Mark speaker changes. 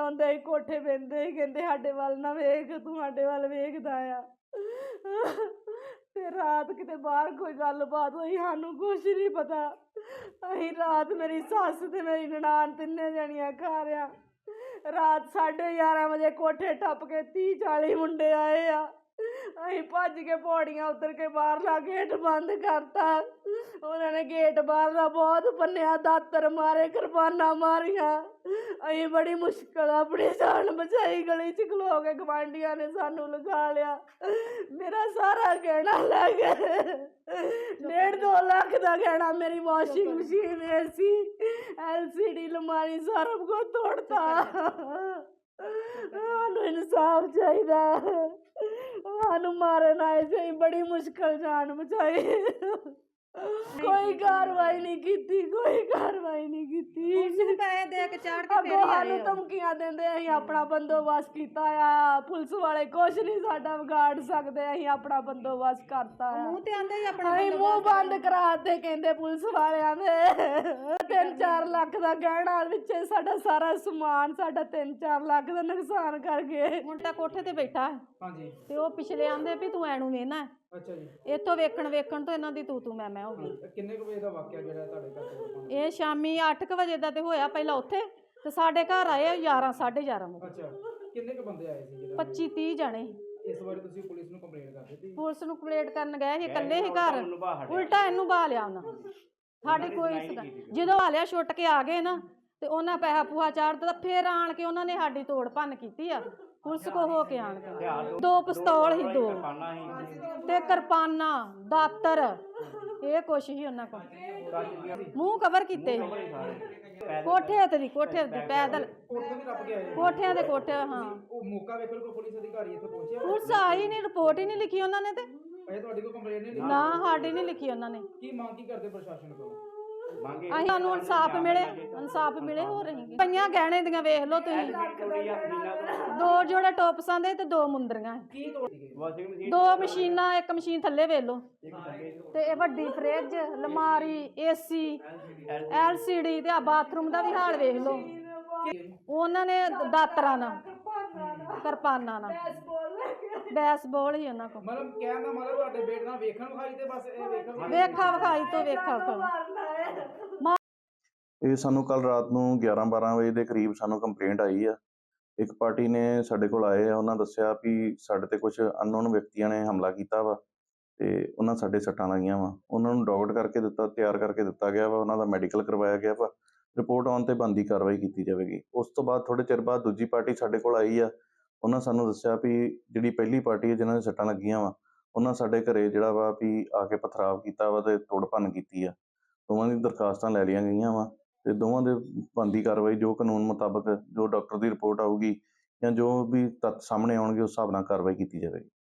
Speaker 1: ਆਉਂਦੇ ਹੀ ਕੋਠੇ ਬਹਿੰਦੇ ਹੀ ਕਹਿੰਦੇ ਸਾਡੇ ਵੱਲ ਨਾ ਵੇਖ, ਤੂੰ ਸਾਡੇ ਵੱਲ ਵੇਖਦਾ ਆ। ਤੇ ਰਾਤ ਕਿਤੇ ਬਾਹਰ ਕੋਈ ਗੱਲਬਾਤ ਹੋਈ, ਸਾਨੂੰ ਕੁਛ ਨਹੀਂ ਪਤਾ। ਅਸੀਂ ਰਾਤ ਮੇਰੀ ਸੱਸ ਤੇ ਮੇਰੀ ਨਨਾਣ ਤਿੰਨੇ ਜਣੀਆਂ ਘਰ ਆ। ਰਾਤ 11:30 ਵਜੇ ਕੋਠੇ ਟੱਪ ਕੇ 30-40 ਮੁੰਡੇ ਆਏ ਆ। ਅਸੀਂ ਭੱਜ ਕੇ ਪੌੜੀਆਂ ਉਤਰ ਕੇ ਬਾਹਰਲਾ ਗੇਟ ਬੰਦ ਕਰਤਾ। ਉਹਨਾਂ ਨੇ ਗੇਟ ਬਾਹਰਲਾ ਬਹੁਤ ਭੰਨਿਆ, ਦਾਤਰ ਮਾਰੇ, ਕਿਰਪਾਨਾਂ ਮਾਰੀਆਂ। ਅਸੀਂ ਬੜੀ ਮੁਸ਼ਕਲ ਆਪਣੀ ਜਾਨ ਬਚਾਈ। ਗਲੀ 'ਚ ਖਲੋ ਕੇ ਗਵਾਂਢੀਆਂ ਨੇ ਸਾਨੂੰ ਲਗਾ ਲਿਆ। ਮੇਰਾ ਸਾਰਾ ਗਹਿਣਾ ਲੈ ਗਏ, 1.5-2 ਲੱਖ ਦਾ ਗਹਿਣਾ, ਮੇਰੀ ਵਾਸ਼ਿੰਗ ਮਸ਼ੀਨ, AC, LCD, ਅਲਮਾਰੀ, ਸਾਰਾ ਕੁਝ ਤੋੜਤਾ। ਸਾਨੂੰ ਇਨਸਾਫ ਚਾਹੀਦਾ। ਸਾਨੂੰ ਮਾਰਨ ਆਏ ਸੀ, ਬੜੀ ਮੁਸ਼ਕਲ ਜਾਨ ਬਚਾਈ। ਕੋਈ ਕਾਰਵਾਈ ਨਹੀਂ ਕੀਤੀ, ਕੋਈ ਕਾਰਵਾਈ ਨਹੀਂ ਕੀਤੀ।
Speaker 2: ਪੈਸੇ ਦੇ ਕੇ ਚਾੜ ਕੇ ਫੇਰ
Speaker 1: ਸਾਨੂੰ ਧਮਕੀਆਂ ਦਿੰਦੇ, ਅਸੀਂ ਆਪਣਾ ਬੰਦੋਬਸਤ ਕੀਤਾ ਆ, ਪੁਲਿਸ ਵਾਲੇ ਕੁਛ ਨਹੀਂ ਸਾਡਾ ਵਿਗਾੜ ਸਕਦੇ, ਅਸੀਂ ਆਪਣਾ ਬੰਦੋਬਸਤ ਕਰਤਾ ਆ।
Speaker 2: ਮੂੰਹ ਤੇ ਆਂਦੇ ਹੀ ਆਪਣਾ
Speaker 1: ਅਸੀਂ ਮੂੰਹ ਬੰਦ ਕਰਾਤੇ ਕਹਿੰਦੇ ਪੁਲਿਸ ਵਾਲਿਆਂ ਦੇ। 3-4 ਲੱਖ ਦਾ ਗਹਿਣਾ, ਵਿੱਚ ਸਾਡਾ ਸਾਰਾ ਸਮਾਨ, ਸਾਡਾ 3-4 ਲੱਖ ਦਾ ਨੁਕਸਾਨ ਕਰ ਗਏ।
Speaker 2: ਮੁੰਡਾ ਕੋਠੇ ਤੇ ਬੈਠਾ
Speaker 3: ਹਾਂਜੀ
Speaker 2: ਤੇ ਉਹ ਪਿਛਲੇ ਆਂਦੇ ਵੀ ਤੂੰ ਐਨੂੰ ਵੇਖਣਾ।
Speaker 3: ਅੱਛਾ ਜੀ।
Speaker 2: ਇੱਥੋਂ ਵੇਖਣ ਤੋਂ ਇਹਨਾਂ ਦੀ ਤੂੰ ਮੈਂ ਹੋ ਗਈ।
Speaker 3: ਕਿੰਨੇ ਕੁ ਵਜੇ ਦਾ ਵਾਕਿਆ ਜਿਹੜਾ ਤੁਹਾਡੇ ਘਰ?
Speaker 2: ਇਹ ਸ਼ਾਮੀ 8 ਵਜੇ ਦਾ ਤੇ ਹੋਇਆ, ਪਹਿਲਾਂ ਉੱਥੇ ਤੇ ਸਾਡੇ ਘਰ ਆਏ 11-11:30 ਵਜੇ।
Speaker 3: ਅੱਛਾ, ਕਿੰਨੇ ਕੁ ਬੰਦੇ ਆਏ ਸੀ ਜਿਹੜਾ?
Speaker 2: 25-30 ਜਣੇ।
Speaker 3: ਇਸ ਵਾਰ ਤੁਸੀਂ ਪੁਲਿਸ ਨੂੰ ਕੰਪਲੇਂਟ ਕਰ ਦਿੱਤੀ?
Speaker 2: ਪੁਲਿਸ ਨੂੰ ਕੰਪਲੇਂਟ ਕਰਨ ਗਏ ਸੀ, ਇਕੱਲੇ ਹੀ ਘਰ, ਉਲਟਾ ਇਹਨੂੰ ਬਹਾ ਲਿਆ ਉਹਨਾਂ। ਸਾਡੀ ਕੋਈ ਜਦੋਂ ਆ ਲਿਆ ਛੁੱਟ ਕੇ ਆ ਗਏ ਨਾ ਤੇ ਉਹਨਾਂ ਪੈਸਾ ਪੂਹਾ ਚਾੜ ਦਿੱਤਾ। ਫੇਰ ਆਣ ਕੇ ਉਹਨਾਂ ਨੇ ਸਾਡੀ ਤੋੜ ਭੰਨ ਕੀਤੀ ਆ ਪੁਲਿਸ ਕੋ ਹੋ ਕੇ ਆਣ ਕੇ। 2 ਪਿਸਤੌਲ ਸੀ, 2 ਤੇ ਕਿਰਪਾਨਾਂ, ਦਾਤਰ, ਇਹ ਕੁਛ ਹੀ ਉਹਨਾਂ ਕੋਲ। ਮੂੰਹ ਕਵਰ ਕੀਤੇ, ਕੋਠੇ ਤੇ ਪੈਦਲ,
Speaker 3: ਕੋਠੇ ਵੀ ਰੱਬ ਕੇ ਆਏ?
Speaker 2: ਕੋਠਿਆਂ ਦੇ ਕੋਠੇ। ਹਾਂ,
Speaker 3: ਉਹ ਮੌਕਾ ਵੇਖਣ ਕੋ ਪੁਲਿਸ ਅਧਿਕਾਰੀ ਇੱਥੇ ਪਹੁੰਚਿਆ?
Speaker 2: ਪੁਲਿਸ ਆਈ ਨਹੀਂ, ਰਿਪੋਰਟ ਹੀ ਨਹੀਂ ਲਿਖੀ ਉਹਨਾਂ ਨੇ। ਤੇ
Speaker 3: ਇਹ ਤੁਹਾਡੀ ਕੋਈ ਕੰਪਲੇਂਟ ਨਹੀਂ?
Speaker 2: ਨਾ, ਸਾਡੀ ਨਹੀਂ ਲਿਖੀ ਉਹਨਾਂ ਨੇ।
Speaker 3: ਕੀ ਮੰਗ ਕੀ ਕਰਦੇ ਪ੍ਰਸ਼ਾਸਨ ਕੋਲ?
Speaker 2: ਅਸੀਂ ਸਾਨੂੰ ਇਨਸਾਫ ਮਿਲੇ, ਇਨਸਾਫ ਮਿਲੇ। ਹੋ ਰਹੀ ਪਈਆਂ ਗਹਿਣੇ ਦੀਆਂ ਵੇਖ ਲਓ ਤੁਸੀਂ, 2 ਜੋੜੇ ਟੋਪਸਾਂ ਦੇ ਤੇ 2 ਮੁੰਦਰੀਆਂ,
Speaker 3: ਕੀ ਤੋੜ ਗਏ?
Speaker 2: 2 ਮਸ਼ੀਨਾਂ, 1 ਮਸ਼ੀਨ ਥੱਲੇ ਵੇਖ ਲਓ, ਤੇ ਇਹ ਵੱਡੀ ਫਰਿੱਜ, ਅਲਮਾਰੀ, AC, LCD, ਤੇ ਆ ਬਾਥਰੂਮ ਦਾ ਵੀ ਹਾਲ ਵੇਖ ਲਓ। ਉਹਨਾਂ ਨੇ ਦਾਤਰਾਂ ਨਾਲ, ਕਿਰਪਾਨਾਂ ਨਾਲ, ਬੈਸਬਾਲ ਹੀ ਉਹਨਾਂ ਕੋਲ।
Speaker 3: ਮਤਲਬ ਕਹਿਣ ਦਾ ਮਤਲਬ ਤੁਹਾਡੇ ਬੇਟੇ ਨਾਲ ਵੇਖਣ ਵਿਖਾਈ ਤੇ ਬਸ ਇਹ
Speaker 2: ਵੇਖਾ ਵਿਖਾਈ ਤੋਂ ਵੇਖਾ ਵਿਖਾਈ।
Speaker 4: ਇਹ ਸਾਨੂੰ ਕੱਲ ਰਾਤ ਨੂੰ 11-12 ਵਜੇ ਦੇ ਕਰੀਬ ਸਾਨੂੰ ਕੰਪਲੇਂਟ ਆਈ ਆ। ਇੱਕ ਪਾਰਟੀ ਨੇ ਸਾਡੇ ਕੋਲ ਆਏ ਆ, ਉਹਨਾਂ ਦੱਸਿਆ ਵੀ ਸਾਡੇ ਤੇ ਕੁਝ ਅਨਨੋਨ ਵਿਅਕਤੀਆਂ ਨੇ ਹਮਲਾ ਕੀਤਾ ਵਾ ਤੇ ਉਹਨਾਂ ਸਾਡੇ ਸੱਟਾਂ ਲੱਗੀਆਂ ਵਾ। ਉਹਨਾਂ ਨੂੰ ਡਾਕਟ ਕਰਕੇ ਦਿੱਤਾ, ਤਿਆਰ ਕਰਕੇ ਦਿੱਤਾ ਗਿਆ ਵਾ, ਉਹਨਾਂ ਦਾ ਮੈਡੀਕਲ ਕਰਵਾਇਆ ਗਿਆ ਵਾ। ਰਿਪੋਰਟ ਆਉਣ ਤੇ ਬਣਦੀ ਕਾਰਵਾਈ ਕੀਤੀ ਜਾਵੇਗੀ। ਉਸ ਤੋਂ ਬਾਅਦ ਥੋੜ੍ਹੇ ਚਿਰ ਬਾਅਦ ਦੂਜੀ ਪਾਰਟੀ ਸਾਡੇ ਕੋਲ ਆਈ ਆ। ਉਹਨਾਂ ਸਾਨੂੰ ਦੱਸਿਆ ਵੀ ਜਿਹੜੀ ਪਹਿਲੀ ਪਾਰਟੀ ਹੈ ਜਿਹਨਾਂ ਦੇ ਸੱਟਾਂ ਲੱਗੀਆਂ ਵਾ, ਉਹਨਾਂ ਸਾਡੇ ਘਰੇ ਜਿਹੜਾ ਵਾ ਵੀ ਆ ਕੇ ਪਥਰਾਵ ਕੀਤਾ ਵਾ ਤੇ ਤੋੜ ਭੰਨ ਕੀਤੀ ਆ। ਦੋਵਾਂ ਦੀ ਦਰਖਾਸਤਾਂ ਲੈ ਲਈਆਂ ਗਈਆਂ ਵਾ ਤੇ ਦੋਵਾਂ ਦੇ ਬਣਦੀ ਕਾਰਵਾਈ ਜੋ ਕਾਨੂੰਨ ਮੁਤਾਬਕ, ਜੋ ਡਾਕਟਰ ਦੀ ਰਿਪੋਰਟ ਆਊਗੀ ਜਾਂ ਜੋ ਵੀ ਤੱਥ ਸਾਹਮਣੇ ਆਉਣਗੇ, ਉਸ ਹਿਸਾਬ ਨਾਲ ਕਾਰਵਾਈ ਕੀਤੀ ਜਾਵੇਗੀ।